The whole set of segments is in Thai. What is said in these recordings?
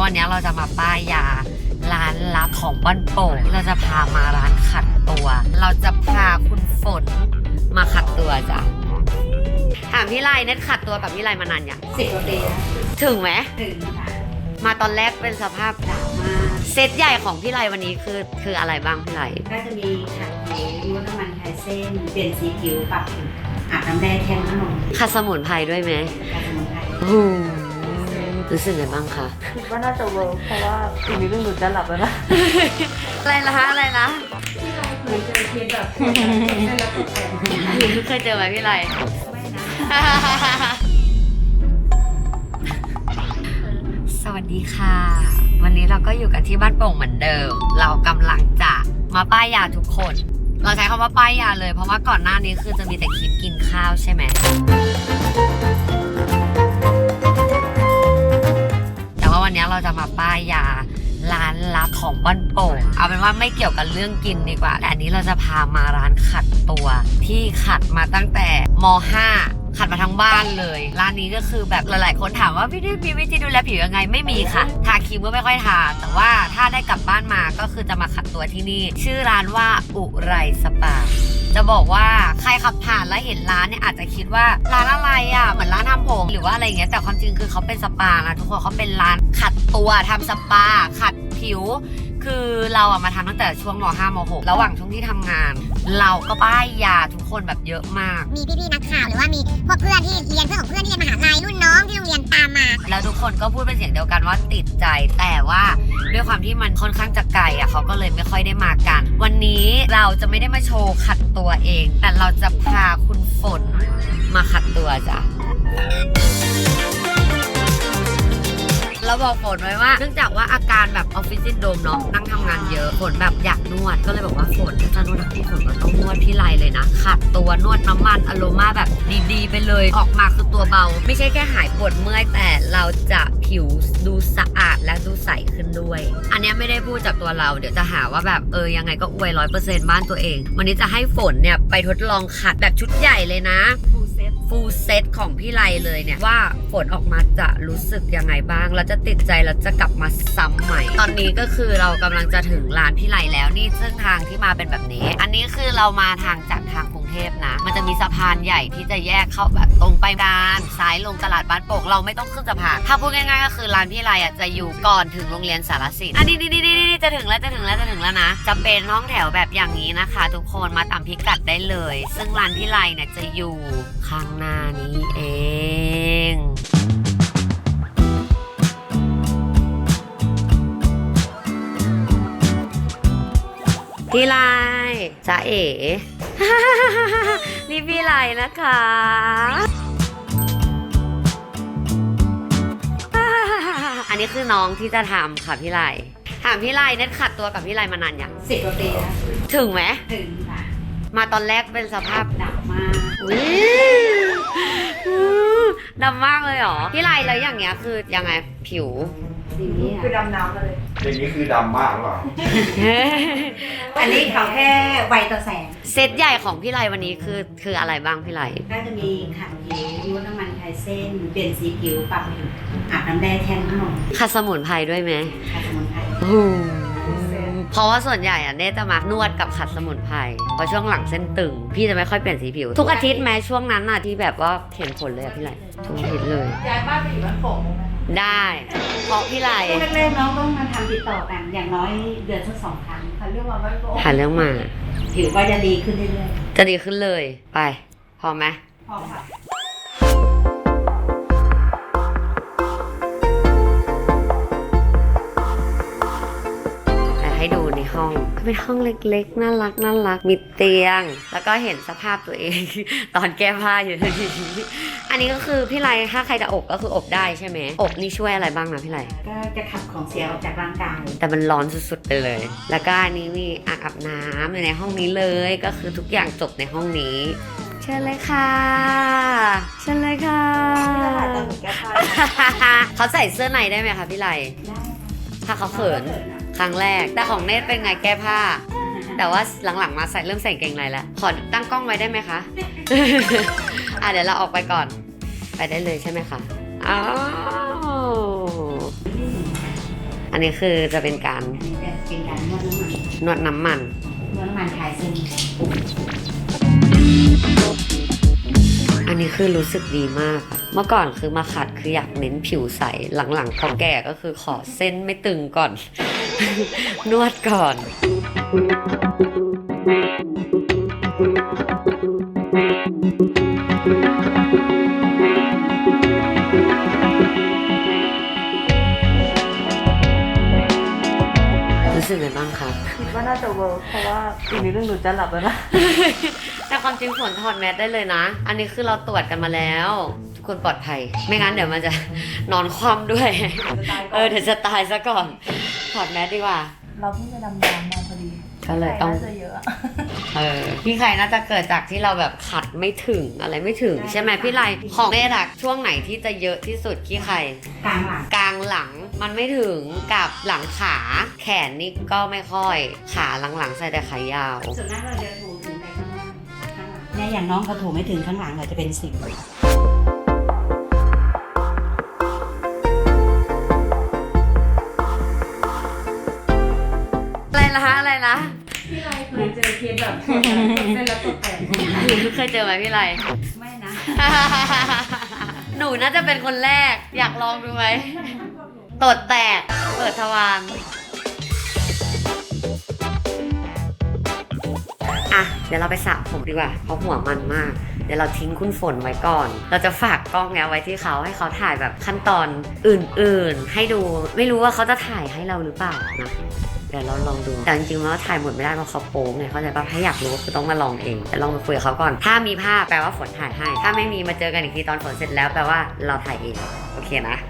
วันนี้เราจะมาป้ายยาร้านลับของบ้านโป่งเราจะพามาร้านขัดตัวเราจะพาคุณฝนมาขัดตัวจ้ะถามพี่ไลเน็ตขัดตัวกับพี่ไลมานานยัง 10 กว่าปีแล้วถึงไหมถึงค่ะมาตอนแรกเป็นสภาพดราม่าเซตใหญ่ของพี่ไลวันนี้คืออะไรบ้างพี่ไลก็จะมีขัดผิวลดน้ำมันคลายเส้นเปลี่ยนสีผิวปรับผิวอาบน้ำแดงแทนขนมขัดสมุนไพรด้วยไหมขัดสมุนไพรรู้สึกไงบ้างคะคิดว่าน่าจะเวิร์กเพราะว่าอีกนิดนึงหนูจะหลับแล้วนะอะไรนะเหมือนเจอเคสแบบไม่รับผิดชอบเคยเจอไหมพี่ไลไม่นะสวัสดีค่ะวันนี้เราก็อยู่กันที่บ้านโป่งเหมือนเดิมเรากำลังจะมาป้ายยาทุกคนเราใช้คำว่าป้ายยาเลยเพราะว่าก่อนหน้านี้คือจะมีแต่คลิปกินข้าวใช่ไหมแต่ว่าวันนี้เราจะมาป้ายยาร้านลับของบ้านโป่งเอาเป็นว่าไม่เกี่ยวกับเรื่องกินดีกว่าแต่อันนี้เราจะพามาร้านขัดตัวที่ขัดมาตั้งแต่ม.5ขัดมาทั้งบ้านเลยร้านนี้ก็คือแบบหลายๆคนถามว่าพี่ได้มีวิธีดูแลผิวยังไงไม่มีค่ะทาครีมก็ไม่ค่อยทาแต่ว่าถ้าได้กลับบ้านมาก็คือจะมาขัดตัวที่นี่ชื่อร้านว่าอุไรสปาจะบอกว่าใครขับผ่านแล้วเห็นร้านเนี่ยอาจจะคิดว่าร้านอะไรอ่ะเหมือนร้านทำผมหรือว่าอะไรอย่างเงี้ยแต่ความจริงคือเขาเป็นสปานะทุกคนเขาเป็นร้านขัดตัวทำสปาขัดผิวคือเราอะมาทำตั้งแต่ช่วงม.5 ม.6 ระหว่างช่วงที่ทำงานเราก็ป้ายยาทุกคนแบบเยอะมากมีพี่ๆนักข่าวหรือว่ามีพวกเพื่อนที่เรียนเพื่อนของเพื่อนที่เรียนมหาลัยรุ่นน้องที่โรงเรียนตามมาแล้วทุกคนก็พูดเป็นเสียงเดียวกันว่าติดใจแต่ว่าด้วยความที่มันค่อนข้างจะไกลอะเขาก็เลยไม่ค่อยได้มากันวันนี้เราจะไม่ได้มาโชว์ขัดตัวเองแต่เราจะพาคุณฝนมาขัดตัวจ้ะเราบอกฝนไว้ว่าเนื่องจากว่าอาการแบบออฟฟิศซินโดรมเนาะนั่งทำงานเยอะฝนแบบอยากนวดก็เลยบอกว่าฝนถ้านวดพี่ฝนก็ต้องนวดพี่ไลเลยนะขัดตัวนวดน้ำมันอโรมาแบบดีๆไปเลยออกมาคือตัวเบาไม่ใช่แค่หายปวดเมื่อยแต่เราจะผิวดูสะอาดและดูใสขึ้นด้วยอันนี้ไม่ได้พูดจากตัวเราเดี๋ยวจะหาว่าแบบยังไงก็อวย 100% บ้านตัวเองวันนี้จะให้ฝนเนี่ยไปทดลองขัดแบบชุดใหญ่เลยนะฟูลเซตของพี่ไลเลยเนี่ยว่าฝนออกมาจะรู้สึกยังไงบ้างแล้วจะติดใจแล้วจะกลับมาซ้ำใหม่ตอนนี้ก็คือเรากำลังจะถึงร้านพี่ไลแล้วนี่ซึ่งทางที่มาเป็นแบบนี้อันนี้คือเรามาทางจากทางกรุงเทพนะมันจะมีสะพานใหญ่ที่จะแยกเข้าแบบตรงไปด้านซ้ายลงตลาดบ้านโป่งเราไม่ต้องขึ้นสะพานถ้าพูดง่ายๆก็คือร้านพี่ไลอ่ะจะอยู่ก่อนถึงโรงเรียนสารสินอันนี้จะถึงแล้วนะจะเป็นห้องแถวแบบอย่างนี้นะคะทุกคนมาตามพิกัดได้เลยซึ่งร้านพี่ไลเนี่ยจะอยู่ข้างหน้านี้เองพี่ไลจ๊ะเอ๋ นี่พี่ไลนะคะอันนี้คือน้องที่จะทำค่ะพี่ไลถามพี่ไลเน็ตขัดตัวกับพี่ไลมานานยัง 10 กว่าปีแล้วถึงไหมถึงค่ะมาตอนแรกเป็นสภาพดำมากดำมากเลยเหรอพี่ไลแล้วอย่างเงี้ยคือยังไงผิวคือดำน้ำเลยอย่างนี้คือดำมากหรือเปล่าอันนี้เขาแค่ไวต่อแสงเซตใหญ่ของพี่ไลวันนี้คืออะไรบ้างพี่ไลก็จะมีขัดผิวลดน้ำมันคลายเส้นเปลี่ยนสีผิวปรับผิวอาบน้ำแดงแทนขนมขัดสมุนไพรด้วยไหมขัดสมุนไพรเพราะว่าส่วนใหญ่อะเน่จะมานวดกับขัดสมุนไพรเพราะช่วงหลังเส้นตึงพี่จะไม่ค่อยเปลี่ยนสีผิวทุกอาทิตย์แม้ช่วงนั้นอะที่แบบว่าเห็นผลเลยอะพี่ไลทุกอาทิตย์เลยย้ายบ้านไปอยู่บ้านโป่งได้เพราะพี่ไลแรกๆน้องต้องมาทำติดต่อกันอย่างน้อยเดือนสัก2 ครั้งหาเรื่องมาบ้านโป่งหาเรื่องมาผิวก็จะดีขึ้นเรื่อยๆจะดีขึ้นเลยไปพอไหมพอค่ะให้ดูในห้องเป็นห้องเล็กๆน่ารักมีเตียงแล้วก็เห็นสภาพตัวเอง ตอนแก้ผ้าอยู่ทีนี้อันนี้ก็คือพี่ไลถ้าใครจะอบก็คืออบได้ใช่ไหมอบนี่ช่วยอะไรบ้างนะพี่ไลก็จะขับของเสียออกจากร่างกายแต่มันร้อนสุดๆไปเลยแล้วก็อันนี้มีอ่างอาบน้ำอยู่ในห้องนี้เลยก็คือทุกอย่างจบในห้องนี้เชิญเลยค่ะเขาใส่เสื้อในได้ไหมคะพี่ไลได้ถ้าเขาเขินครั้งแรกแต่ของเนทเป็นไงแก้ผ้าแต่ว่าหลังๆมาเริ่มใส่เกงในแล้วขอตั้งกล้องไว้ได้ไหมคะ เดี๋ยวเราออกไปก่อนไปได้เลยใช่ไหมคะอ้าวอันนี้คือจะเป็นการอันนี้จะเป็นการนวดน้ำมันนวดน้ำมันนวดน้ำมันคลายเส้นอันนี้คือรู้สึกดีมากอะเมื่อก่อนคือมาขัดคืออยากเน้นผิวใส หลังๆพอแก่ก็คือขอเส้นไม่ตึงก่อน นวดก่อน รู้สึกไงบ้างครับคิดว่าน่าจะเวิร์กเพราะว่าอีกนิดนึงหนูจะหลับแล้วนะแต่ความจริงฝนถอดแมสได้เลยนะ อันนี้คือเราตรวจกันมาแล้ว ทุกคนปลอดภัย ไม่งั้นเดี๋ยวมันจะ นอนคว่ำด้วย เดี๋ยวจะตายซะก่อน ถอดแมสดีกว่าเราเพิ่งจะดำน้ำมาพอดีก็เลยต้องน่าจะเยอะอะพี่ไข่น่าจะเกิดจากที่เราแบบขัดไม่ถึงอะไรไม่ถึงใช่ไหมพี่ไลของเนรักช่วงไหนที่จะเยอะที่สุดพี่ไข่กลางหลังกลางหลังมันไม่ถึงกับหลังขาแขนนี่ก็ไม่ค่อย ขาหลังๆใส่แต่ขายาวส่วนมากเราจะถูถึงไปข้างหน้าข้างหลังเนี่ยอย่างน้องเขาถูไม่ถึงข้างหลังเราจะเป็น10 อะไรนะพี่ไรเคยเจอเคสแบบเส้นแล้วตกแตกเคยเจอไหมพี่ไลไม่นะหนูน่าจะเป็นคนแรกอยากลองดูไหมตดแตกเปิดทวารอ่ะเดี๋ยวเราไปสระผมดีกว่าเพราะหัวมันมาก เดี๋ยวเราทิ้งคุณฝนไว้ก่อน เราจะฝากกล้องเนี้ยไว้ที่เขาให้เขาถ่ายแบบขั้นตอนอื่นๆให้ดูไม่รู้ว่าเขาจะถ่ายให้เราหรือเปล่านะเดี๋ยวเราลองดูแต่จริงๆแล้วถ่ายหมดไม่ได้เพราะเขาโป๊งไงเข้าใจป่ะถ้าอยากรู้ก็คือต้องมาลองเองแต่ลองไปคุยกับเขาก่อนถ้ามีภาพแปลว่าฝนถ่ายให้ถ้าไม่มีมาเจอกันอีกทีตอนฝนเสร็จแล้วแปลว่าเราถ่ายเองโอเคนะ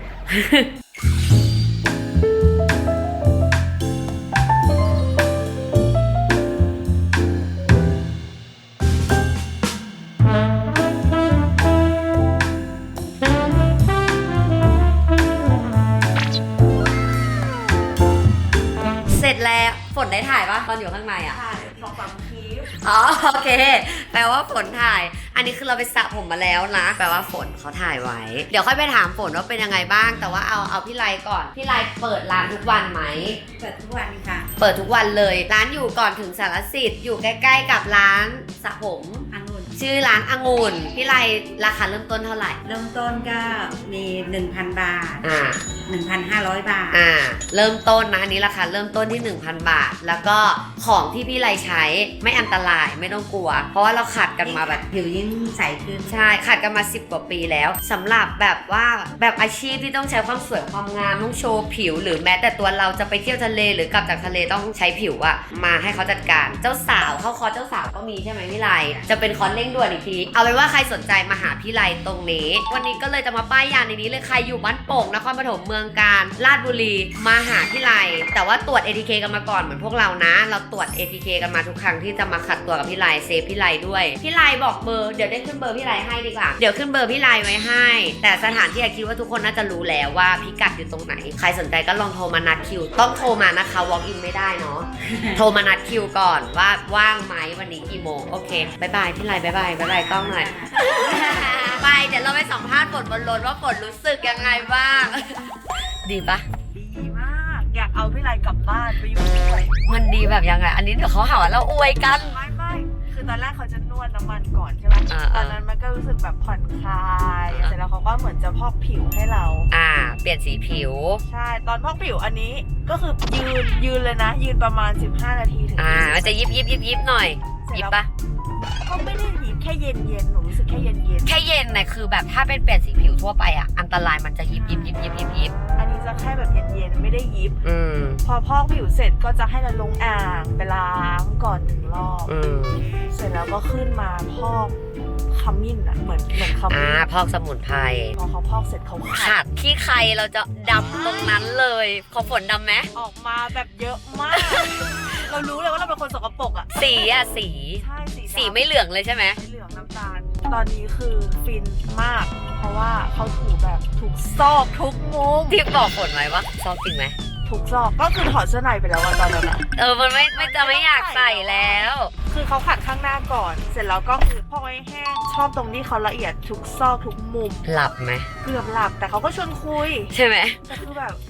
เสร็จแล้วฝนได้ถ่ายปะตอนอยู่ข้างในอ่ะถ่าย2-3คลิปอ๋อโอเค แปลว่าฝนถ่าย อันนี้คือเราไปสระผมมาแล้วนะ แปลว่าฝนเขาถ่ายไว้ เดี๋ยวค่อยไปถามฝนว่าเป็นยังไงบ้าง แต่ว่าเอาพี่ไลก่อน พี่ไลเปิดร้านทุกวันไหมเปิดทุกวันค่ะเปิดทุกวันเลย ร้านอยู่ก่อนถึงสารสิทธิ์อยู่ใกล้ๆกับร้านสระผมองุ่นชื่อร้านองุ่น พี่ไลราคาเริ่มต้นเท่าไหร่เริ่มต้นก็มี 1,000 บาทอ่า 1,500 บาทเริ่มต้นนะอันนี้ราคาเริ่มต้นที่ 1,000 บาท แล้วก็ของที่พี่ไลใช้ไม่อันตรายไม่ต้องกลัว เพราะว่าเราขัดกันมาแบบผิวยิ่งใสขึ้นใช่ขัดกันมา10 กว่าปีแล้วสำหรับแบบว่าแบบอาชีพที่ต้องใช้ความสวยความงามต้องโชว์ผิว หรือแม้แต่ตัวเราจะไปเที่ยวทะเลหรือกลับจากทะเลต้องใช้ผิวอะมาให้เขาจัดการเจ้าสาวเข้าคอร์สเจ้าสาวก็มีใช่ไหมพี่ไลจะเป็นคอร์สเร่งด่วนอีกทีเอาเป็นว่าใครสนใจมาหาพี่ไลตรงนี้วันนี้ก็เลยจะมาป้ายยาในนี้เลยใครอยู่บ้านโป่งนครปฐมเมืองการราชบุรีมาหาพี่ไลแต่ว่าตรวจ ATK กันมาก่อนเหมือนพวกเรานะเราตรวจ ATK กันมาทุกครั้งที่จะมาขัดตัวกับพี่ไลเซฟพี่ไลด้วยพี่ไลบอกเบอร์เดี๋ยวได้ขึ้นเบอร์พี่ไลให้ดีกว่าเดี๋ยวขึ้นเบอร์พี่ไลไว้ให้แต่สถานที่คิดว่าทุกคนน่าจะรู้แล้วว่าพิกัดอยู่ตรงไหนใครสนใจก็ลองโทรมานัดคิวต้องโทรมานะคะ walk in ไม่ได้เนาะ โทรมานัดคิวก่อนว่าว่างไหมวันนี้กี่โมงโอเคบายบายพี่ไลบายบายกล้องหน่อย ไปเดี๋ยวเราไปสัมภาษณ์ฝนบนรถว่าฝนรู้สึกยังไงบ้าง ดีปะดีมาก อยากเอาพี่ไรกลับบ้านไปอยู่ด้วยมันดีแบบยังไงอันนี้เดี๋ยวเขาหาว่าเราอวยกันไม่คือตอนแรกเขาจะนวดน้ำมันก่อนใช่ไหม ตอนนั้นมันก็รู้สึกแบบผ่อนคลายเสร็จแล้วเขาก็เหมือนจะพอกผิวให้เราเปลี่ยนสีผิวใช่ตอนพอกผิวอันนี้ก็คือยืนเลยนะ ยืนประมาณ15 นาทีถึง20 มันจะยิบหน่อยยิบปะก็ไม่ได้ยิบแค่เย็นหนูรู้สึกแค่เย็นแค่เย็นนะคือแบบถ้าเป็นเปลี่ยนสีผิวทั่วไปอันตรายมันจะยิบอันนี้จะแค่แบบเย็นไม่ได้ยิบ พอพอกผิวเสร็จก็จะให้เราลงอ่างไปล้างก่อน1 รอบ เสร็จแล้วก็ขึ้นมาพอกขมิ้นเหมือนขมิ้นพอกสมุนไพรพอเขาพอกเสร็จเขาขัขัดดที่ใครเราจะดำตรงนั้นเลยขอฝนดำไหมออกมาแบบเยอะมาก เรารู้เลยว่าเราเป็นคนสกปรกอ่ะสีสีใช่สีไม่เหลืองเลยใช่ไหมไม่เหลืองน้ำตาล ตอนนี้คือฟินมาก เพราะว่าเขาถูแบบทุกซอกทุกมุมที่บอกฝนไว้ว่าชอบจริงไหมทุกซอกก็คือถอดเสื้อในไปแล้วอะตอนนั้นอะมันไม่จะไม่อยากใส่แล้วคือเขาขัดข้างหน้าก่อน เสร็จแล้วก็คือพอกให้แห้งชอบตรงที่เขาละเอียดทุกซอกทุกมุมหลับไหมเกือบหลับแต่เขาก็ชวนคุยใช่ไหมแต่คือแบบโอ้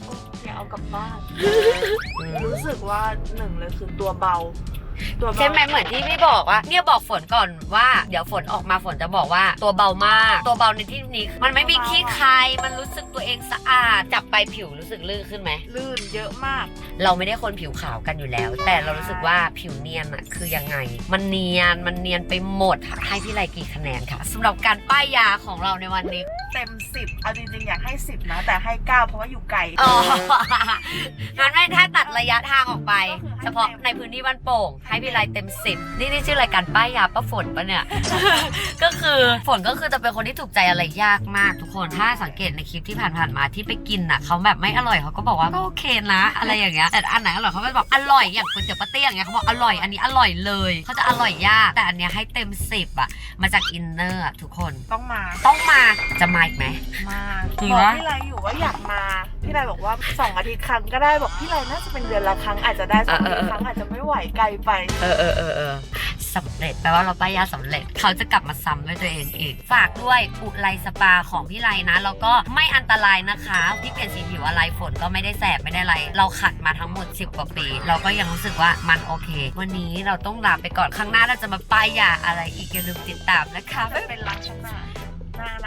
อยากเอากลับบ้าน รู้สึกว่าหนึ่งเลยคือตัวเบาใช่ไหมเหมือนที่พี่บอกว่าเนี่ยบอกฝนก่อนว่าเดี๋ยวฝนออกมาฝนจะบอกว่าตัวเบามากตัวเบาในที่นี้มันไม่มีขี้ใครมันรู้สึกตัวเองสะอาดจับไปผิวรู้สึกลื่นขึ้นไหมลื่นเยอะมากเราไม่ได้คนผิวขาวกันอยู่แล้ว แต่เรารู้สึกว่าผิวเนียนอะคือยังไงมันเนียนไปหมดให้พี่ไลกี่คะแนนค่ะสำหรับการป้ายยาของเราในวันนี้เต็ม 10เอาจริงๆอยากให้10นะแต่ให้9เพราะว่าอยู่ไกลอ๋องั้นให้ถ้าตัดระยะทางออกไปก็คือให้เฉพาะในพื้นที่บ้านโป่งให้พี่ไลเต็ม10นี่ชื่อรายการป้ายยาป้าฝนปะเนี่ย ก็คือฝนก็คือจะเป็นคนที่ถูกใจอะไรยากมากทุกคนถ้าสังเกตในคลิปที่ผ่านๆมาที่ไปกินน่ะเขาแบบไม่อร่อยเขาก็บอกว่าก็โอเคนะอะไรอย่างเงี้ยแต่อันไหนอร่อยเขาก็บอกอร่อยอย่างก๋วยเตี๋ยวป้าเตี้ยอย่างเงี้ยเขาบอกอร่อยอันนี้อร่อยเลยเขาจะอร่อยยากแต่อันเนี้ยให้เต็ม10อะมาจากอินเนอร์ทุกคนต้องมาจะมาอีกไหมมาจริงบอกปะพี่ไรอยู่ว่าอยากมาพี่ไรบอกว่า2 อาทิตย์ครั้งก็ได้บอกพี่ไรน่าจะเป็นเดือนละครั้งอาจจะได้2 อาทิตย์ครั้งอาจจะไม่ไหวไกลไปสำเร็จแปลว่าเราป้ายยาสำเร็จเขาจะกลับมาซ้ำด้วยตัวเองอีกฝากด้วยอุไลสปาของพี่ไลนะแล้วก็ไม่อันตรายนะคะที่เปลี่ยนสีผิวอะไรฝนก็ไม่ได้แสบไม่ได้อะไรเราขัดมาทั้งหมด10 กว่าปี เราก็ยังรู้สึกว่ามันโอเค วันนี้เราต้องลาไปก่อนครั้งหน้าเราจะมาป้ายยาอะไรอีกอย่าลืมติดตามนะคะจะเป็นลักษณะหน้าเรา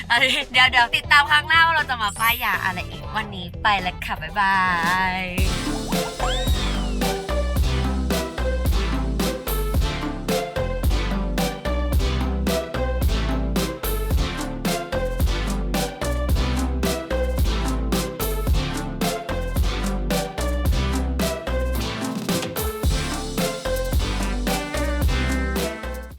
เดี๋ยวติดตามครั้งหน้าว่าเราจะมาป้ายยาอะไรอีกวันนี้ไปแล้วค่ะบ๊ายบาย